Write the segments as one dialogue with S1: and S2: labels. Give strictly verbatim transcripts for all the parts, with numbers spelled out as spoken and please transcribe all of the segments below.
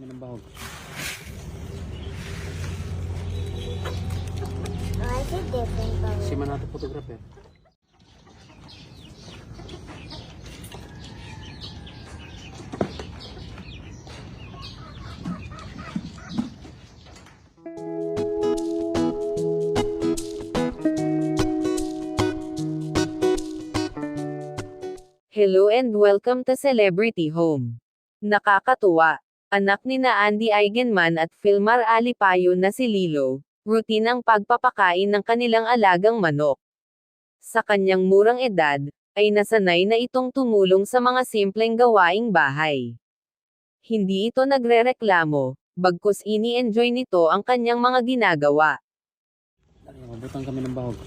S1: kami ng bahog.
S2: Why is it different from
S1: Si Manato photographer.
S3: Hello and welcome to Celebrity Home. Nakakatuwa. Anak ni na Andy Eigenman at Filmar Alipayo na si Lilo, routine ang pagpapakain ng kanilang alagang manok. Sa kanyang murang edad, ay nasanay na itong tumulong sa mga simpleng gawaing bahay. Hindi ito nagrereklamo, bagkus ini-enjoy nito ang kanyang mga ginagawa.
S1: Mabutang kami ng bahog.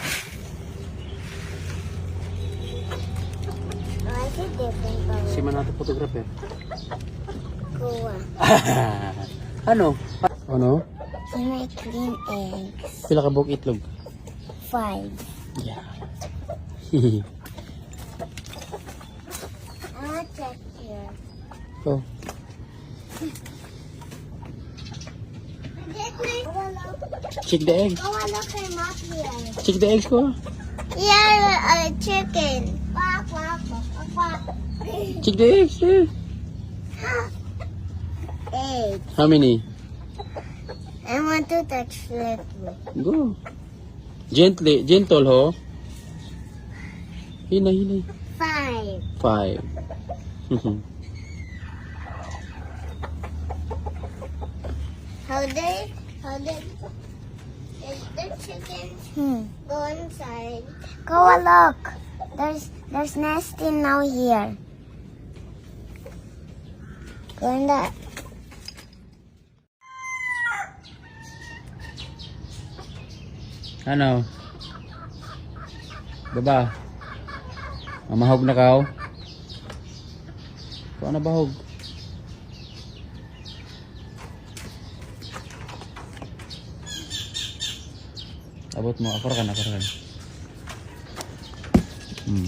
S2: Why is it different from
S1: Si Manato photographer.
S2: Kuwa?
S1: Ano? Ano?
S2: Can I clean eggs?
S1: Pila ka buhok itlog?
S2: Five.
S1: Yeah.
S2: I want to check here.
S1: Oh. Check the eggs.
S2: Oh, look, I'm up here.
S1: Check the eggs ko.
S2: Yeah, a chicken. Quack, quack, quack, quack.
S1: Check the eggs. Eh.
S2: Egg.
S1: How many?
S2: I want to touch it.
S1: Go. Gently. Gentle, ho. Hinay, hinay.
S2: Five.
S1: Five.
S2: How did, how did, is the chicken hmm. go inside? Go a look. There's, there's nesting now here. Go in that.
S1: Ano? Diba? Mamahog na ka, oh. Ikaw na bahog. Abot mo, akor ka na, akor ka na. Hmm.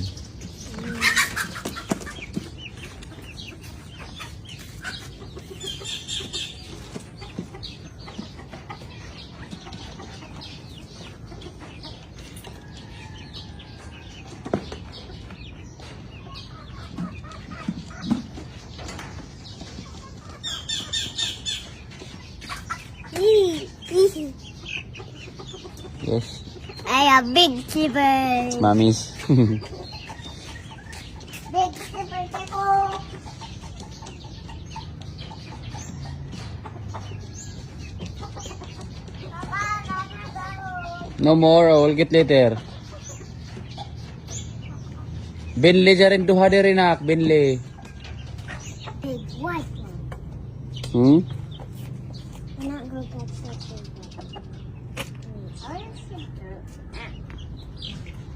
S1: Yes.
S2: I have big zipper.
S1: Mamis.
S2: Big zipper, Chico.
S1: No more, I will get later. Benle jarin duha diri nak, Benle.
S2: Big white one.
S1: Hmm?
S2: We're not going to catch that big one. Orange zipper.